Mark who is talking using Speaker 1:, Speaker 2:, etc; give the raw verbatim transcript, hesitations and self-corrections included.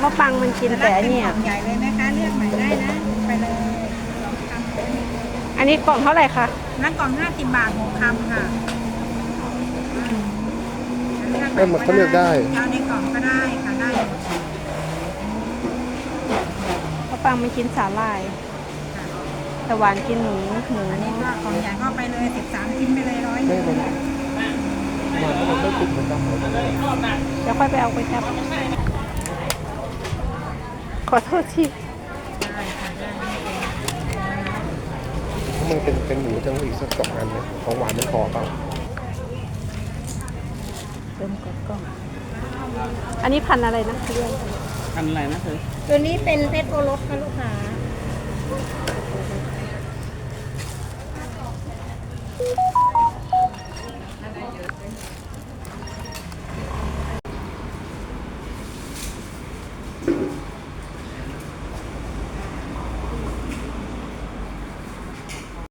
Speaker 1: มะปังมันกินแต่อันเนี้ย
Speaker 2: ใหญ่เลยนะคะเลือกใหม่ได้นะไปเลยท
Speaker 1: อันนี้กล่องเท่าไหร่คะ
Speaker 2: ำนั่นกล่องห้าสิบบาทหกคำค่ะ
Speaker 3: เอ้ยมันเขาเลือกได้
Speaker 2: เอาในกล่องก็ได้ค่ะได้หมด
Speaker 1: มะปังมันกินสาหร่าย แต่หวานกินหมูหมู
Speaker 2: อันนี้ก็กล่องใหญ่ก็ไปเลยสิบสามชิ้นไปเลยร้อยห
Speaker 3: ไม่
Speaker 2: นึ่ง
Speaker 3: มันมันก็ไม่ติดเหมือนกัน
Speaker 1: เดี๋ยวค่อยไปเอาไปจับ ขอโทษที
Speaker 2: ได้ค่ะได้
Speaker 3: เพราะมันเป็นเป็นหมูจังอีกสักสองอันนะของหวานไม่พอเปล่า
Speaker 1: เริ่มกดกล้อง อันนี้พันธุ์อะไรนะเรื่อง
Speaker 4: ทำอะไรนะเธอ
Speaker 2: ตัวนี้เป็นเพชรโอรสค่ะลูกค้า